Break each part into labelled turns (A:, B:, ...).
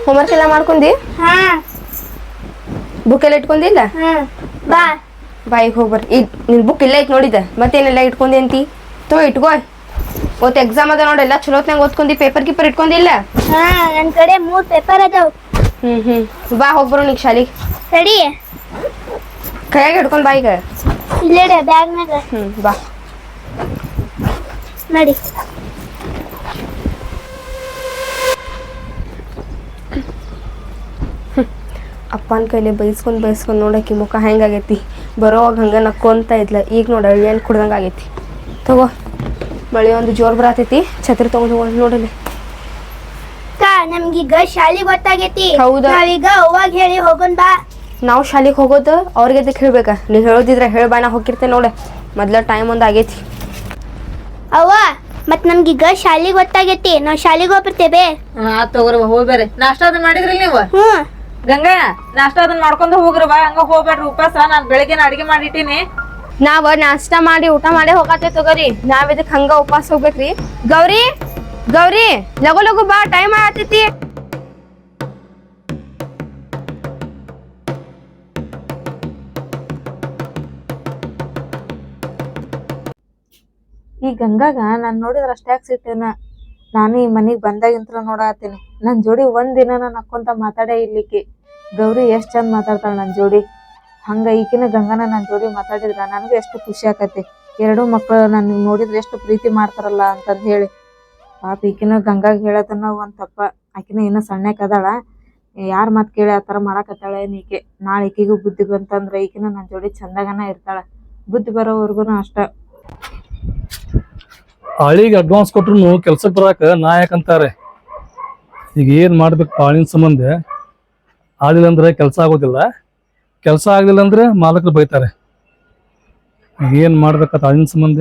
A: Homework ಎಲ್ಲ ಮಾಡ್ಕೊಂಡಿ
B: ಹಾ
A: ಬುಕ್ ಎಲ್ಲ ಇಟ್ಕೊಂಡಿಲ್ಲ
B: ಬಾ
A: ಬಾ ಈಗ ಹೋಗ್ಬರ್ರಿ ಈಗ ನಿನ್ ಬುಕ್ ಇಲ್ಲ ಐತ್ ನೋಡಿದ ಮತ್ತೇನೆಲ್ಲ ಇಟ್ಕೊಂಡಿ ಅಂತಿ ಇಟ್ಕೋ ಓತ್ ಎಕ್ಸಾಮ್ ಅದ ನೋಡಿ ಎಲ್ಲ ಚಲೋತ್ನಾಗ ಓದ್ಕೊಂಡಿ ಪೇಪರ್ ಗಿಪರ್ ಇಟ್ಕೊಂಡಿಲ್ಲ
B: ಹಾ ನನ್ ಕಡೆ 3 ಪೇಪರ್ ಅದಾವ
A: ಬಾ ಹೋಗ್ಬರೋ ಈಗ ಶಾಲಿಗೆ
B: ಸರಿ
A: ಕೈಯಾಗ ಹಿಡ್ಕೊಂಡ್ ಬಾ ಈಗ
B: ಇಲ್ಲೇ ಬ್ಯಾಗ್ನಾಗ
A: ಬಾ
B: ನಡಿ
A: ಅಪ್ಪನ ಕೈಲಿ ಬೈಸ್ಕೊಂಡ್ ನೋಡಕ್ಕೆ ಮುಖ ಹೆಂಗಾಗೈತಿ ಬರೋವಾಗ ಹಂಗೆ ನಕ್ಕೊಂತ ಇದ್ಲ ಈಗ ನೋಡ ಏನು ಕುಡ್ದಂಗೆ ಆಗೈತಿ ತಗೋ ಮಳೆ ಒಂದು ಜೋರ್ ಬರತೈತಿ ಛತ್ರಿ ತಗೊಂಡು ಹೋಗಿ ನೋಡಲಿ
B: ನಮ್ಗೀಗ ಶಾಲಿ ಗೊತ್ತಾಗೈತಿ
A: ಹೌದಾ?
B: ನಾವೀಗ ಅವಾಗ ಹೇಳಿ ಹೋಗೋಣ ಬಾ
A: ನಾವು ಶಾಲೆಗೆ ಹೋಗೋದು ಅವ್ರಿಗೆ ಅದಕ್ಕೆ ಹೇಳ್ಬೇಕಾ ನೀವು ಹೇಳೋದಿದ್ರೆ ಬಾ ನಾ ಹೋಗಿರ್ತೇನೆ ನೋಡ ಮೊದ್ಲ ಟೈಮ್ ಒಂದು ಆಗೈತಿ
B: ಅವ್ವ ಮತ್ ನಮ್ಗೀಗ ಶಾಲಿ ಗೊತ್ತಾಗೈತಿ ನಾವ್ ಶಾಲಿಗೆ ಹೋಗ್ಬರ್ತೇವೆ
C: ತಗೋರಿ ಹೋಗ್ಬೇರಿ ನಾಷ್ಟ ಅದನ್ನ ಮಾಡಿದ್ರಿ ನೀವು ಗಂಗಾ ನಾಷ್ಟ ಅದನ್ನ ಮಾಡ್ಕೊಂಡು ಹೋಗ್ರಿ ಬಾ ಹಂಗ ಹೋಗ್ಬೇಡ್ರಿ ಉಪವಾಸ ನಾನ್ ಬೆಳಗ್ಗೆನ ಅಡಿಗೆ ಮಾಡಿಟ್ಟಿನಿ
A: ನಾವ್ ನಾಷ್ಟ ಮಾಡಿ ಊಟ ಮಾಡಿ ಹೋಗತ್ತೆ ತಗೋರಿ ನಾವ್ ಇದಕ್ ಹಂಗ ಉಪವಾಸ ಹೋಗ್ಬೇಕ್ರಿ ಗೌರಿ ಗೌರಿ ಲಗು ಲಗು ಬಾ ಟೈಮ್ ಆಗತೈತಿ
C: ಈ ಗಂಗಾಗ ನಾನ್ ನೋಡಿದ್ರ ಅಷ್ಟ್ಯಾಕ್ ಸಿಟ್ಟೇನ ನಾನು ಈ ಮನಿಗ್ ಬಂದಾಗಿಂತ್ರ ನೋಡಾತೀನಿ ನನ್ ಜೋಡಿ ಒಂದ್ ದಿನ ನಾನು ನಕ್ಕೊಂತ ಮಾತಾಡೇ ಇರ್ಲಿಕ್ಕೆ ಗೌರಿ ಎಷ್ಟ್ ಚಂದ ಮಾತಾಡ್ತಾಳ ನನ್ ಜೋಡಿ ಹಂಗ ಈಕಿನ ಗಂಗಾನ ನನ್ ಜೋಡಿ ಮಾತಾಡಿದ್ರ ನನಗೂ ಎಷ್ಟು ಖುಷಿ ಆಕತಿ ಎರಡೂ ಮಕ್ಳು ನನ್ ನೋಡಿದ್ರೆ ಎಷ್ಟು ಪ್ರೀತಿ ಮಾಡ್ತಾರಲ್ಲ ಅಂತಂದ್ ಹೇಳಿ ಪಾಪ ಈಕಿನ ಗಂಗಾಗ ಹೇಳೋದನ್ನ ಒಂದ್ ತಪ್ಪ ಆಕಿನ ಇನ್ನ ಸಣ್ಣಕ್ ಅದಾಳ ಯಾರ್ ಮಾತ್ ಕೇಳಿ ಆತರ ಮಾಡಾಕತ್ತಾಳ ಏನ್ ಈಕೆ ನಾಳೆ ಈಕಿಗೂ ಬುದ್ಧಿ ಬಂತಂದ್ರ ಈಕಿನ ನನ್ ಜೋಡಿ ಚಂದಾಗನ ಇರ್ತಾಳ ಬುದ್ಧಿ ಬರೋವರ್ಗುನು ಅಷ್ಟ
D: ಆಳಿಗೆ ಅಡ್ವಾನ್ಸ್ ಕೊಟ್ರು ಕೆಲ್ಸಕ್ಕೆ ಬರಾಕ ನಾಯಕ್ ಅಂತಾರೆ ಈಗ ಏನ್ ಮಾಡ್ಬೇಕು ಆಳಿನ ಸಂಬಂಧ ಆಳಿಲ್ಲ ಅಂದ್ರೆ ಕೆಲಸ ಆಗೋದಿಲ್ಲ ಕೆಲಸ ಆಗ್ಲಿಲ್ಲ ಅಂದ್ರೆ ಮಾಲಕರು ಬೈತಾರೆ ಈಗ ಏನ್ ಮಾಡ್ಬೇಕಂತ ಆಳಿನ ಸಂಬಂಧ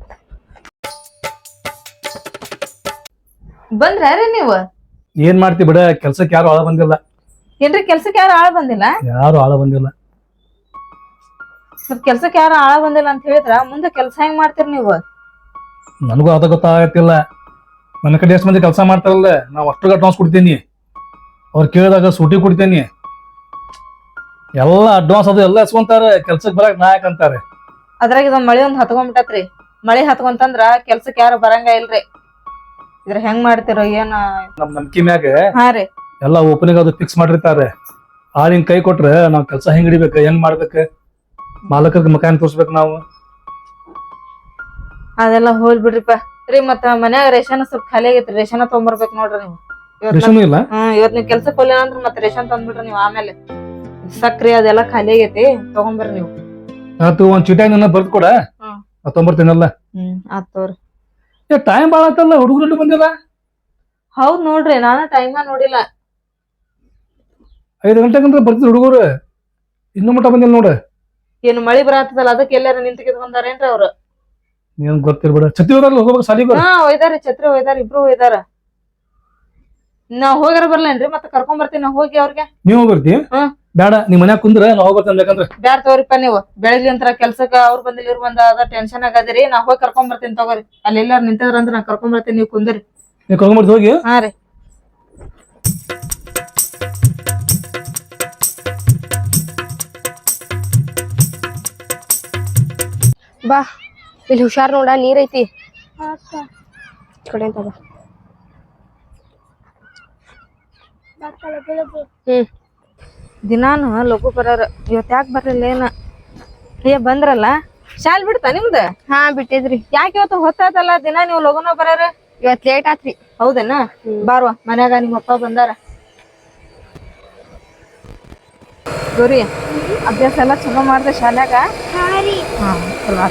C: ಬಂದ್ರಿ ನೀವು
D: ಏನ್ ಮಾಡ್ತಿ ಬಿಡ ಕೆಲ್ಸಕ್ಕೆ ಯಾರು ಆಳ ಬಂದಿಲ್ಲ
C: ಏನ್ರಿ ಕೆಲ್ಸಕ್ಕೆ ಯಾರು ಆಳ ಬಂದಿಲ್ಲ
D: ಯಾರು ಆಳ ಬಂದಿಲ್ಲ
C: ಕೆಲ್ಸಕ್ಕೆ ಯಾರು ಆಳ ಬಂದಿಲ್ಲ ಅಂತ ಹೇಳಿದ್ರ ಮುಂದೆ ಕೆಲ್ಸ ಹೆಂಗ್ ಮಾಡ್ತೀರಿ ನೀವು
D: ನನಗೂ ಅದ ಗೊತ್ತಾಗತ್ತಿಲ್ಲ ನನ್ನ ಕಡೆ ಎಷ್ಟು ಮಂದಿ ಕೆಲಸ ಮಾಡ್ತಾರಲ್ಲ ನಾವು ಅಷ್ಟು ಅಡ್ವಾನ್ಸ್ ಕೊಡ್ತೀನಿ ಅವ್ರು ಕೇಳಿದಾಗ ಸೂಟಿ ಕೊಡ್ತೀನಿ ಎಲ್ಲ ಅಡ್ವಾನ್ಸ್ ಅದು ಎಲ್ಲ ಎಸ್ಕೊಂತಾರೆ ಕೆಲ್ಸಕ್ಕೆ ಬರಕ್ ನಾಯಕ್ ಅಂತಾರೆ
C: ಅದ್ರಾಗ ಇದೊಂದ್ ಮಳಿ ಒಂದ್ ಹತ್ಕೊಂಡ್ಬಿಟ್ಟತ್ರಿ ಮಳಿ ಹತ್ಕೊಂತಂದ್ರ ಕೆಲ್ಸಕ್ಕೆ ಯಾರು ಬರಂಗ ಇಲ್ರಿ ಇದ್ರ ಹೆಂಗ್ ಮಾಡ್ತಿರೋ ಏನ
D: ನಮ್ ನಂಬಿಕೆ ಮ್ಯಾಗ
C: ಹಾ ರೀ
D: ಎಲ್ಲ ಓಪನಿಂಗ್ ಅದು ಫಿಕ್ಸ್ ಮಾಡಿರ್ತಾರೆ ಆಳಿನ ಕೈ ಕೊಟ್ರೆ ನಾವ್ ಕೆಲಸ ಹೆಂಗ್ ಹಿಡಿಬೇಕು ಹೆಂಗ್ ಮಾಡ್ಬೇಕು ಮಾಲಕರಿಗೆ ಮಕಾನ್ ತೋರ್ಸ್ಬೇಕು ನಾವು
C: ಅದೆಲ್ಲ ಹೋಲ್ ಬಿಡ್ರಿಪ್ಪ ರೀ ಮತ್ತ ಮನ್ಯಾಗ ರೇಷನ್ ಸ್ವಲ್ಪ ಖಾಲಿ ಆಗೈತ್ರಿ ರೇಷನ್ ತಗೊಂಬರ್ಬೇಕ್ ನೋಡ್ರಿ ನೀವು
D: ರೇಷನ್ ಇಲ್ಲ
C: ಇವತ್ ನೀವ್ ಕೆಲ್ಸಕ್ಕೆ ಹೋಗ್ಲಿಲ್ಲ ಅಂದ್ರ ಮತ್ತೆ ರೇಷನ್ ತಂದ್ಬಿಡ್ರಿ ನೀವು ಆಮೇಲೆ ಸಕ್ರಿ ಅದೆಲ್ಲ ಖಾಲಿ ಆಗೈತಿ ತಗೊಂಬರ್ರಿ ನೀವು
D: ಆತು ಒಂದ್ ಚೀಟಾಗಿ ನನ್ನ ಬರ್ದ್ ಕೊಡ ತೊಂಬರ್ತೀನಲ್ಲ
C: ಆತ್ ತಗೋರಿ
D: ಟೈಮ್ ಬಾಳ ಆತಲ್ಲ ಹುಡುಗರು ಬಂದಿಲ್ಲ
C: ಹೌದ್ ನೋಡ್ರಿ ನಾನು ಟೈಮ ನೋಡಿಲ್ಲ
D: 5 ಗಂಟೆಗಂದ್ರೆ ಬರ್ತಿದ್ರು ಹುಡುಗರು ಇನ್ನೂ ಮಟ್ಟ ಬಂದಿಲ್ಲ ನೋಡ
C: ಏನು ಮಳಿ ಬರತ್ತದಲ್ಲ ಅದಕ್ಕೆ ಎಲ್ಲಾರ ನಿಂತಿಗೆ ಬಂದಾರೇನ್ರಿ ಅವ್ರು
D: ಏನ್ ಗೊತ್ತಿರ್ಬೇಡ ಛತ್ತಿ ಹೋದಾರಲ್ಲ ಹೋಗ್ಬೇಕು ಸಾಲಿಗೆ
C: ಹಾ ಒಯ್ದಾರಿ ಛತ್ರಿ ಒಯ್ದಾರ ಇಬ್ರು ಒಯ್ದಾರ ನಾವ್ ಹೋಗಾರ ಬರ್ಲೇನ್ರಿ ಮತ್ತೆ ಕರ್ಕೊಂಡ್ ಬರ್ತೀನಿ ನಾ ಹೋಗಿ ಅವ್ರಿಗೆ
D: ನೀವು ಬರ್ತಿ ಬೇಡ ನಿಮ್ ಮನ್ಯಾಗ ಕುಂದ್ರ ನಾ ಹೋಗ್ಬರ್ತೇನೆ ಯಾಕಂದ್ರೆ
C: ಬ್ಯಾಡ ತಗೋರಿಪ್ಪ ನೀವು ಬೆಳಗ್ಗೆ ಅಂತ ಕೆಲ್ಸಕ್ಕ ಅವ್ರು ಬಂದಿಲ್ಲ ಇವ್ರು ಬಂದ ಅದ ಟೆನ್ಷನ್ ಆಗದಿರಿ ನಾ ಹೋಗಿ ಕರ್ಕೊಂಡ್ ಬರ್ತೀನಿ ತಗೋರಿ ಅಲ್ಲಿ ಎಲ್ಲಾರು ನಿಂತಿದ್ರ ನಾ ಕರ್ಕೊಂಡ್ ಬರ್ತೀನಿ ನೀವು ಕುಂದ್ರಿ
D: ನೀವು ಕರ್ಕೊಂಡ್ಬರ್ತಿ ಹೋಗಿ
C: ಹಾ ರೀ
A: ಬಾ ಇಲ್ಲಿ ಹುಷಾರ್ ನೋಡ ನೀರ್ ಐತಿ ಕಡೆ ಅಂತ ಬಾ
C: ದಿನಾನು ಲಘು ಬರೋರು ಇವತ್ ಯಾಕೆ ಬರ್ಲಿಲ್ಲ ಏನ ಬಂದ್ರಲ್ಲ ಶಾಲ್ ಬಿಡ್ತಾ ನಿಮ್ದ
A: ಹಾ ಬಿಟ್ಟಿದ್ರಿ
C: ಯಾಕೆ ಇವತ್ತು ಹೊತ್ತಾತಲ್ಲ ದಿನ ನೀವು ಲಘುನ ಬರೋರು
A: ಇವತ್ ಲೇಟ್ ಆತ್ರಿ
C: ಹೌದೇನ ಬಾರ್ವಾ ಮನ್ಯಾಗ ನಿಮ್ಮ ಅಪ್ಪ ಬಂದಾರ ಗೌರಿ ಅಭ್ಯಾಸ ಎಲ್ಲ ಚಲೋ ಮಾಡ್ದೆ ಶಾಲ್ಯಾಗ ಹಾ ಚಲೋ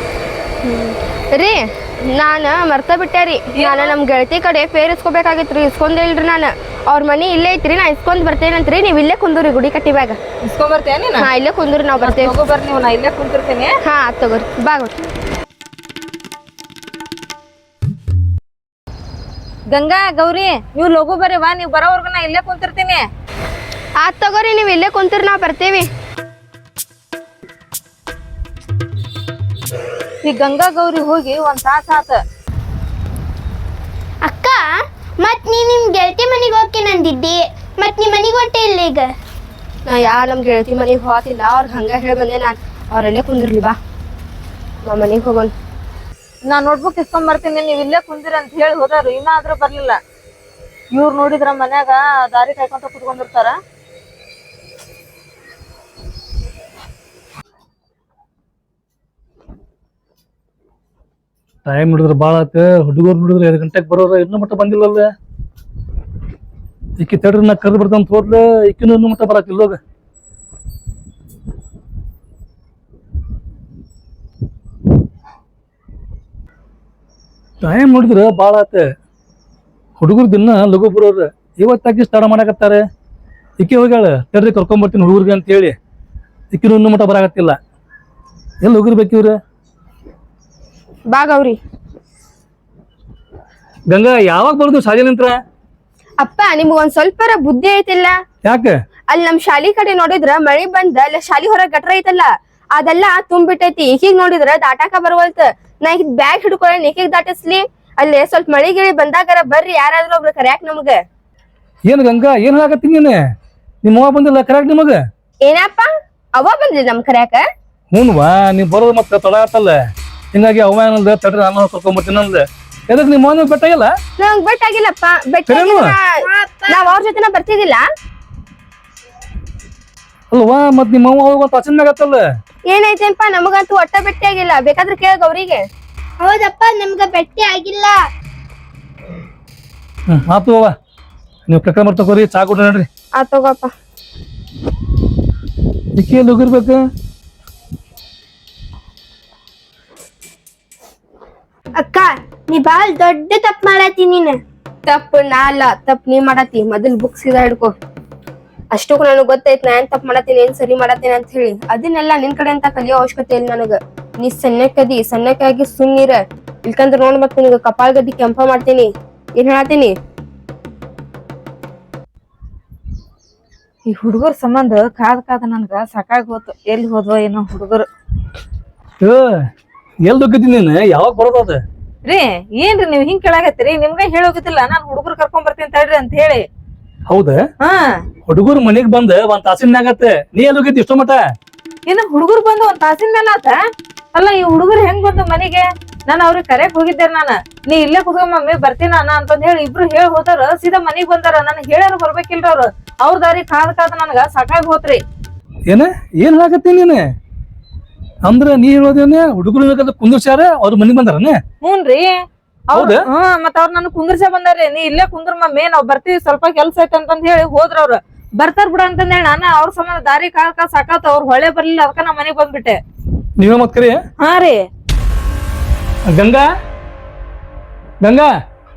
A: ರೀ ನಾನ ಮರ್ತ ಬಿಟ್ಟೆ ರೀ ನಾನು ನಮ್ ಗೆಳತಿ ಕಡೆ ಫೇರ್ ಇಸ್ಕೋಬೇಕಾಗಿತ್ರಿ ಇಸ್ಕೊಂಡೇ ಇಲ್ರಿ ನಾನು ಅವ್ರ ಮನಿ ಇಲ್ಲೇ ಐತ್ರಿ ನಾ ಇಸ್ಕೊಂಡ್ ಬರ್ತೇನಂತ್ರಿ ನೀವ್ ಇಲ್ಲೇ ಕುಂದ್ರಿ ಗುಡಿ ಕಟ್ಟಿ ಬ್ಯಾಗ
C: ಇಸ್ಕೊಂಡ್ ಬರ್ತೇನೆ ನೀನು
A: ಹಾ ಇಲ್ಲೇ ಕುಂದ್ರಿ ನಾವ್ ಬರ್ತೇವೆ
C: ಹೋಗೋ ಬರ್ರಿ ನೀವು ನಾ ಇಲ್ಲೇ ಕುಂತಿರ್ತೀನಿ
A: ಹಾ ತಗೋರಿ ಬಾ ಗೊತ್ತು
C: ಗಂಗಾ ಗೌರಿ ನೀವು ಲಘು ಬರ್ರಿ ಬಾ ನೀವು ಬರೋವರ್ಗು ನಾ ಇಲ್ಲೇ ಕುಂತಿರ್ತೀನಿ
A: ಆತ್ ತಗೋರಿ ನೀವ್ ಇಲ್ಲೇ ಕುಂತಿರ್ ನಾವ್ ಬರ್ತೇವಿ
C: ಈ ಗಂಗಾ ಗೌರಿ ಹೋಗಿ ಒಂದ್ ತಾಸ ಆತ
B: ಅಕ್ಕ ಮತ್ ನೀ ನಿಮ್ ಗೆಳತಿ ಮನೆಗೆ ಹೋಗ್ತೀನಿ ಅಂದಿದ್ದಿ ಮತ್ ನೀ ಮನಿಗ್ ಹೊಂಟೆ ಇಲ್ಲ ಈಗ?
A: ನಾ ನಮ್ ಗೆಳತಿ ಮನೆಗೆ ಹೋತಿಲ್ಲ, ಅವ್ರಿಗೆ ಹಂಗ ಹೇಳಿ ಬಂದೆ ನಾನು. ಅವ್ರಲ್ಲೇ ಕುಂದಿರ್ಲಿ ಬಾ, ನಾ ಮನೆಗೆ ಹೋಗೋಣ.
C: ನಾ ನೋಟ್ಬುಕ್ ಇಸ್ಕೊಂಡ್ ಬರ್ತೀನಿ, ನೀವ್ ಇಲ್ಲೇ ಕುಂದಿರ ಅಂತ ಹೇಳಿ ಹೋದಾರು, ಇನ್ನಾದ್ರೂ ಬರ್ಲಿಲ್ಲ. ಇವ್ರು ನೋಡಿದ್ರ ಮನ್ಯಾಗ ದಾರಿ ಕಾಯ್ಕೊಂತ ಕುತ್ಕೊಂಡಿರ್ತಾರ.
D: ಟೈಮ್ ನೋಡಿದ್ರೆ ಭಾಳ ಆತ. ಹುಡುಗರು ನೋಡಿದ್ರೆ 2 ಗಂಟೆಗೆ ಬರೋರ ಇನ್ನೂ ಮಟ್ಟ ಬಂದಿಲ್ಲಲ್ಲ. ಈಕಿ ತಡ್ರಿ ನಾ ಕರೆದು ಬರ್ದಂತ ಹೋದ್ಲ, ಈಕಿನೂ ಇನ್ನೂ ಮಟ್ಟ ಬರತ್ತಿಲ್ಲ. ಹೋಗ ಟೈಮ್ ನೋಡಿದ್ರೆ ಭಾಳ ಆತ. ಹುಡುಗರು ದಿನ ಲಘು ಬರೋರು, ಇವತ್ತಾಕಿ ಸ್ಟಾರ್ಟ್ ಮಾಡಕತ್ತಾರೆ. ಈಕೆ ಹೋಗ್ಯಾಳ, ತಡ್ರಿ ಕರ್ಕೊಂಬರ್ತೀನಿ ಹುಡುಗರಿಗೆ ಅಂತ ಹೇಳಿ. ಈಕಿನೂ ಇನ್ನೂ ಮಟ್ಟ ಬರಾಕತ್ತಿಲ್ಲ. ಎಲ್ಲಿ ಹೋಗಿರ್ಬೇಕು ಇವ್ರು?
A: ಬಾ ಗೌರಿ.
D: ಗಂಗಾ ಯಾವಾಗ ಬರೋದು ಶಾಲೆಲಿಂತ್ರ?
A: ಅಪ್ಪ ನಿಮ್ಗೊಂದ್ ಸ್ವಲ್ಪರ ಬುದ್ಧಿ ಐತಿಲ್ಲ?
D: ಯಾಕೆ?
A: ಅಲ್ಲಿ ನಮ್ ಶಾಲಿ ಕಡೆ ನೋಡಿದ್ರ ಮಳಿ ಬಂದ ಅಲ್ಲಿ ಶಾಲಿ ಹೊರಗ್ ಗಟ್ರ ಐತಲ್ಲ, ಅದೆಲ್ಲ ತುಂಬಿಟ್ಟೈತಿ. ಈಗೀಗ್ ನೋಡಿದ್ರ ದಾಟಾಕ ಬರವಲ್ತ. ನಾ ಈಗ ಬ್ಯಾಗ್ ಹಿಡ್ಕೊಳ್ಳ ಈಗೀಗ್ ದಾಟಿಸ್ಲಿ? ಅಲ್ಲಿ ಸ್ವಲ್ಪ ಮಳಿ ಗಿಳಿ ಬಂದಾಗರ ಬರ್ರಿ ಯಾರಾದ್ರೂ ಒಬ್ರು ಕರ್ಯಾಕ್ ನಮ್ಗ.
D: ಏನ್ ಗಂಗಾ ಏನ್ ಹೇಳಕತ್ತೀನಿ ನೀನು? ನಿಮ್ಮ ಅವ್ವ ಬಂದಿಲ್ಲ ಕರ್ಯಾಕ್ ನಿಮಗ?
A: ಏನಪ್ಪ ಅವ ಬಂದ್ರಿ ನಮ್ ಕರ್ಯಾಕ?
D: ಹ್ಞೂನ್ವಾ, ನೀವ್ ಬರೋದು ಮತ್ತೆ ತಡ ಆತಲ್ಲ. ಹಿಂಗಾಗಿ ಅವ್ವ ಏನಂದ ತಡ್ರಿ ನಾನು ಕರ್ಕೊಂಬರ್ತೀನಿ ಅಂದ. ಎದಕ್ ನಿಮ್ಮ ಅವ್ವ ಬೆಟ್ಟಾಗಿಲ್ಲ?
A: ನಂಗ್ ಬೆಟ್ ಆಗಿಲ್ಲಪ್ಪ. ಬೆಟ್ ನಾವ್ ಅವ್ರ ಜೊತೆನ ಬರ್ತಿದ್ದಿಲ್ಲ.
D: ಅಲ್ವಾ ಮತ್ ನಿಮ್ಮ ಅವ್ವ ಹೋಗುವ ತಾಸಿನ ಮ್ಯಾಗ ಆತಲ್ಲ.
A: ಏನೈತೆಪ್ಪ, ನಮಗಂತೂ ಒಟ್ಟ ಬೆಟ್ಟಿ ಆಗಿಲ್ಲ. ಬೇಕಾದ್ರೆ ಕೇಳ ಗೌರಿಗೆ.
B: ಹೌದಪ್ಪ, ನಮ್ಗ ಭೇಟಿ ಆಗಿಲ್ಲ.
D: ಆತು ಅವ್ವ, ನೀವು ಕರ್ಕೊಂಡ್ ಬರ್ತಕೋರಿ, ಚಾ ಕೊಡ್ರಿ ನೋಡ್ರಿ.
A: ಆ ತಗೋಪ್ಪ.
D: ಈಕೆ ಎಲ್ಲಿ ಹೋಗಿರ್ಬೇಕು?
B: ಅಕ್ಕ, ನೀ ಬಾಳ್ ದೊಡ್ಡ ತಪ್ಪ ಮಾಡತ್ತಿ ನೀನ್.
A: ತಪ್ಪು ನಾ ಅಲ್ಲ, ತಪ್ಪು ನೀ ಮಾಡತ್ತಿ. ಮೊದಲ್ ಬುಕ್ ಸೀದಾ ಹಿಡ್ಕೊ. ಅಷ್ಟಕ್ಕೂ ನನಗ್ ಗೊತ್ತೈತ್ ನಾ ಏನ್ ತಪ್ಪು ಮಾಡತ್ತೀನಿ, ಏನ್ ಸರಿ ಮಾಡತ್ತೀನಿ ಅಂತ ಹೇಳಿ. ಅದನ್ನೆಲ್ಲ ನಿನ್ ಕಡೆ ಅಂತ ಕಲಿಯೋ ಅವಶ್ಯಕತೆ ಇಲ್ಲ ನನಗ. ನೀ ಸಣ್ಣಕ್ಕದಿ, ಸಣ್ಣಕ್ಕಾಗಿ ಸುಮ್ಮನಿರ. ಇಲ್ಕಂದ್ರ ನೋಡ್ ಮತ್ ನಿನಗ ಕಪಾಲ್ ಗಡ್ಡಿ ಕೆಂಪ ಮಾಡ್ತೀನಿ. ಏನ್ ಹೇಳತ್ತೀನಿ?
C: ಈ ಹುಡುಗರ ಸಂಬಂಧ ಕಾದ್ ನನ್ಗ ಸಾಕಾಗಿ ಹೋತು. ಎಲ್ಲಿ ಹೋದ್ವ ಏನೋ ಹುಡುಗರು.
D: ಎಲ್ಲಿ ಹೋಗಿದ್ದೀನಿ ನೀನು? ಯಾವಾಗ ಬರೋದ?
C: ರೀ ಏನ್ರಿ ನೀವ್ ಹಿಂಗ್ ಕೇಳಾಕತ್ತೀರಿ? ನಿಮ್ಗ ಹೇಳೋಗಿದ್ದಿಲ್ಲ ನಾನು ಹುಡುಗರು ಕರ್ಕೊಂಡ್ ಬರ್ತೀನಿ ತಡ್ರಿ ಅಂತ ಹೇಳಿ.
D: ಹೌದಾ?
C: ಹಾ,
D: ಹುಡುಗರು ಮನೆಗ್ ಬಂದ ಒಂದ್ ತಾಸಿನ ಆಗತ್ತೆ. ನೀ ಎಲ್ಲಿ ಹೋಗಿದ್ದಿ ಇಷ್ಟೋ ಮಟ?
C: ಇನ್ನು ಹುಡುಗರು ಬಂದು ಒಂದ್ ತಾಸಿನ ಮೇಲೆ ಆತ. ಅಲ್ಲ, ಈ ಹುಡುಗರು ಹೆಂಗ್ ಬಂದು ಮನೆಗೆ? ನಾನು ಅವ್ರಿಗೆ ಕರೆಯಕ್ ಹೋಗಿದ್ದೆ. ನಾನು ನೀ ಇಲ್ಲೇ ಕುತ್ಕೊಂಡ್ ಮಮ್ಮಿ ಬರ್ತೀನ ಅಣ್ಣ ಅಂತಂದ್ ಹೇಳಿ ಇಬ್ರು ಹೇಳಿ ಹೋದಾರ. ಸೀದಾ ಮನಿಗ್ ಬಂದಾರ. ನನ್ ಹೇಳ್ಯಾರ ಬರ್ಬೇಕಿಲ್ರ ಅವ್ರು. ಅವ್ರ ದಾರಿ ಕಾದ್ ನನ್ಗ ಸಾಕಾಗಿ ಹೋತ್ರಿ.
D: ಏನ ಏನ್ ಹೇಳಕತ್ತೀನಿ ನೀನು? ಅಂದ್ರ ನೀ ಹೇಳೋದೇನೆ ಹುಡುಗರು ಕುಂದ್ರಸ್ಯಾರ, ಅವ್ರ ಮನಿಗ್ ಬಂದಾರನ?
C: ಹ್ಞೂನ್ರಿ.
D: ಹೌದಾ?
C: ಮತ್ತ ಅವ್ರ ನನ್ ಕುಂದ್ರಸೇ ಬಂದಾರಿ. ನೀ ಇಲ್ಲೇ ಕುಂದ್ರ ಮಮ್ಮಿ, ನಾವ್ ಬರ್ತೀವಿ, ಸ್ವಲ್ಪ ಕೆಲ್ಸ ಐತೆ ಅಂತಂದ್ ಹೇಳಿ ಹೋದ್ರ ಅವ್ರು. ಬರ್ತಾರ ಬಿಡ ಅಂತಂದ್ ಹೇಳಿ ನಾನು ಅವ್ರ ಸಂಬಂಧ ದಾರಿ ಕಾದ್ ಸಾಕಾತ. ಅವ್ರ ಹೊಳೆ ಬರ್ಲಿಲ್ಲ, ಅದಕ್ಕ ನಾ ಮನೆಗ್ ಬಂದ್ಬಿಟ್ಟೆ.
D: ನೀವೇ ಮತ್ ಕರಿ?
C: ಹಾ ರೀ.
D: ಗಂಗಾ, ಗಂಗಾ.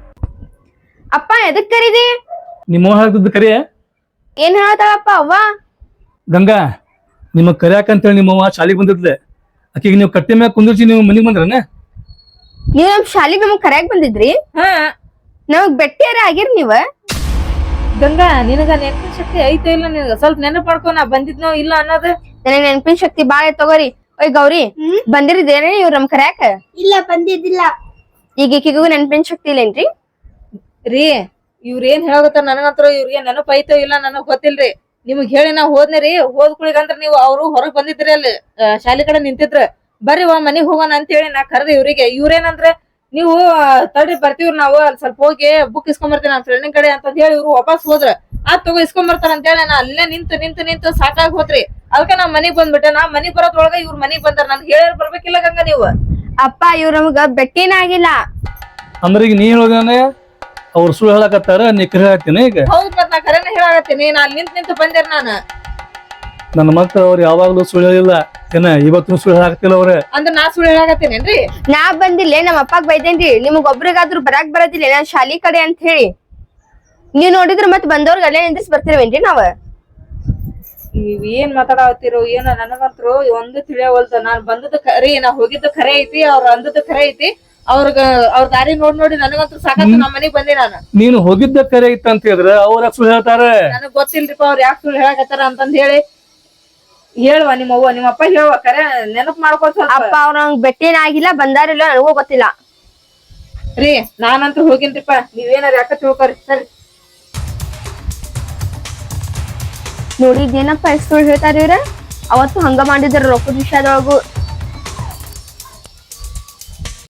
A: ಅಪ್ಪ ಎದಕ್ ಕರೀದಿ?
D: ನಿಮ್ಮ ಹೇಳ್ತಿದ್ದ ಕರಿ.
A: ಏನ್ ಹೇಳತ್ತಾಳಪ್ಪ ಅವ್ವ?
D: ಗಂಗಾ, ನಿಮಗ್ ಕರಿಯಾಕಂತೇಳಿ ನಿಮ್ಮವ್ವ ಶಾಲಿಗೆ ಬಂದಿದ್ಲೆ. ಆಕಿಗೆ ನೀವು ಕಟ್ಟಿ ಮ್ಯಾಗ ಕುಂದಿರ್ಸಿ ನೀವು ಮನಿಗ್ ಬಂದ್ರನ?
A: ನೀವ್ ನಮ್ ಶಾಲಿಗ್ ನಮಗ್ ಕರ್ಯಾಕ್ ಬಂದಿದ್ರಿ?
C: ಹಾ.
A: ನಮಗ್ ಬೆಟ್ಟಿಯಾರ ಆಗಿರ್ ನೀವ?
C: ಗಂಗಾ, ನಿನಗ ನೆನಪಿನ ಶಕ್ತಿ ಐತೆ ಇಲ್ಲ? ನಿನಗ ಸ್ವಲ್ಪ ನೆನಪು ಮಾಡ್ಕೊ ನಾ ಬಂದಿದ್ನೋ ಇಲ್ಲ ಅನ್ನೋದು.
A: ನನಗ್ ನೆನಪಿನ ಶಕ್ತಿ ಬಾಳ ತಗೋರಿ. ಓಯ್ ಗೌರಿ, ಬಂದಿರಿದೇನೆ ಇವ್ರ ನಮ್ ಕರ್ಯಾಕ?
B: ಇಲ್ಲ, ಬಂದಿದ್ದಿಲ್ಲ.
A: ಈಗ ಈಕಿಗೂ ನೆನಪಿನ ಶಕ್ತಿ ಇಲ್ಲೇನ್ರಿ?
C: ರೀ, ಇವ್ರ ಏನ್ ಹೇಳಗತ್ತಾರ ನನಗಂತ್ರ ಇವ್ರಿಗೆ ನೆನಪ ಐತೋ ಇಲ್ಲ ನನಗ್ ಗೊತ್ತಿಲ್ರಿ. ನಿಮಗ್ ಹೇಳಿ ನಾ ಹೋದ್ನಿ ರೀ. ಹೋದ್ ಕುಳಿಗಂದ್ರ ನೀವು ಅವ್ರು ಹೊರಗ್ ಬಂದಿದ್ರಿ, ಅಲ್ಲಿ ಶಾಲಿ ಕಡೆ ನಿಂತಿದ್ರ. ಬರ್ರಿ ಮನಿಗ್ ಹೋಗೋಣ ಅಂತ ಹೇಳಿ ನಾ ಕರ್ದೆ ಇವ್ರಿಗೆ. ಇವ್ರೇನಂದ್ರೆ ನೀವು ತಡ್ರಿ ಬರ್ತೀವ್ರಿ, ನಾವು ಅಲ್ಲಿ ಸ್ವಲ್ಪ ಹೋಗಿ ಬುಕ್ ಇಸ್ಕೊಂಡ್ ಬರ್ತೀನಿ ನನ್ನ ಫ್ರೆಂಡಿನ ಕಡೆ ಅಂತ ಹೇಳಿ ಇವ್ರು ವಾಪಸ್ ಹೋದ್ರ. ತಗೋ ಇಸ್ಕೊಂಡ್ ಬರ್ತಾರ ಅಂತ ಹೇಳಿ ನಾ ಅಲ್ಲೇ ನಿಂತು ಸಾಕಾಗಿ ಹೋತ್ರಿ. ಅದಕ್ಕೆ ನಾ ಮನಿಗ್ ಬಂದ್ಬಿಟ್ಟೆ. ನಾ ಮನಿಗ್ ಬರೋದ್ರೊಳಗ ಇವ್ರ ಮನಿಗ್ ಬಂದಾರ. ನನ್ ಹೇಳ್ಯಾರ ಬರ್ಬೇಕಿಲ್ಲ ಗಂಗಾ ನೀವು?
A: ಅಪ್ಪ ಇವ್ರ ನಮಗ ಬೆಟ್ಟಿನ ಆಗಿಲ್ಲ.
D: ಅಂದ್ರೆ ಈಗ ನೀ ಹೇಳೋದೇನೆ ಅವ್ರು ಸುಳ್ಳು ಹೇಳಕತ್ತಾರ, ನೀ ಕರೆ ಹಾಕ್ತೀನಿ. ಈಗ
C: ಹೌದ್, ಮತ್ ನಾ ಕರೆನ ಹೇಳಾಕತ್ತೀನಿ. ನಾ ಅಲ್ಲಿ ನಿಂತು ಬಂದೇರ್ ನಾನು.
D: ನನ್ನ ಮಕ್ಳು ಅವ್ರು ಯಾವಾಗ್ಲೂ ಸುಳ್ಳು ಹೇಳಿಲ್ಲ. ಏನ ಇವತ್ತು ಸುಳ್ಳು ಹೇಳಾಕತ್ತಿಲ್ಲ ಅವ್ರೆ.
C: ಅಂದ್ರೆ ನಾ ಸುಳ್ಳು ಹೇಳಾಕತ್ತೀನೇನ್ರಿ?
A: ನಾ ಬಂದಿಲ್ಲ, ನಮ್ಮ ಅಪ್ಪಾಗ್ ಬೈದೇನ್ರಿ. ನಿಮಗ್ ಒಬ್ರಿಗಾದ್ರೂ ಬರಾಕ್ ಬರೋದಿಲ್ಲ ನಾನ್ ಶಾಲಿ ಕಡೆ ಅಂತ ಹೇಳಿ. ನೀವ್ ನೋಡಿದ್ರ ಮತ್ ಬಂದವ್ರಿಗೆ ಅಲ್ಲೇ ನಿಂದ್ರಿಸಿ ಬರ್ತಿರವೇನ್ರಿ ನಾವ್?
C: ನೀವ್ ಏನ್ ಮಾತಾಡತ್ತಿರೋ ಏನೋ ನನಗಂತ್ರು ಒಂದು ತಿಳಿಯವಲ್ದ. ನಾನ್ ಬಂದದ್ದು ಖರೆ, ನಾ ಹೋಗಿದ್ದು ಖರೆ ಐತಿ, ಅವ್ರ ಅಂದದ್ದು ಖರೆ ಐತಿ. ಅವ್ರ ದಾರಿ ನೋಡಿ ನನಗಂತೂ ಸಾಕಂತ ನಮ್ಮ ಮನೆಗ್ ಬಂದೆ ನಾನು.
D: ನೀನು ಹೋಗಿದ್ದ ಕರೆ ಐತ ಅಂತ ಹೇಳಿದ್ರೆ ಅವ್ರ ಸುಳ್ಳು ಹೇಳ್ತಾರ?
C: ನನಗ್ ಗೊತ್ತಿಲ್ರಿಪ್ಪ ಅವ್ರ ಯಾಕೆ ಸುಳ್ಳು ಹೇಳಕತ್ತಾರ ಅಂತಂದ್ ಹೇಳಿ. ಹೇಳುವ ನಿಮ್ಮ ಅವ್ವ ನಿಮ್ಮ ಅಪ್ಪ ಹೇಳುವ, ಕರೆ ನೆನಪು ಮಾಡ್ಕೊತ.
A: ಅಪ್ಪ ಅವ್ರ ನಂಗ್ ಬೆಟ್ಟಿನ ಆಗಿಲ್ಲ, ಬಂದಾರಿಲ್ಲ ನನಗೂ ಗೊತ್ತಿಲ್ಲ
C: ರೀ. ನಾನಂತೂ ಹೋಗಿನ್ರಿಪ್ಪ, ನೀವೇನಾರ ಯಾಕ ತಿಳ್ಕೊರಿ. ಸರಿ.
A: ನೋಡಿದ್ದೇನಪ್ಪ ಎಷ್ಟು ಸುಳ್ಳು ಹೇಳ್ತಾರ ಇವ್ರ ಅವತ್ತು ಹಂಗ ಮಾಡಿದ್ರ ರೊಕ್ಕದ ವಿಷಯದೊಳಗು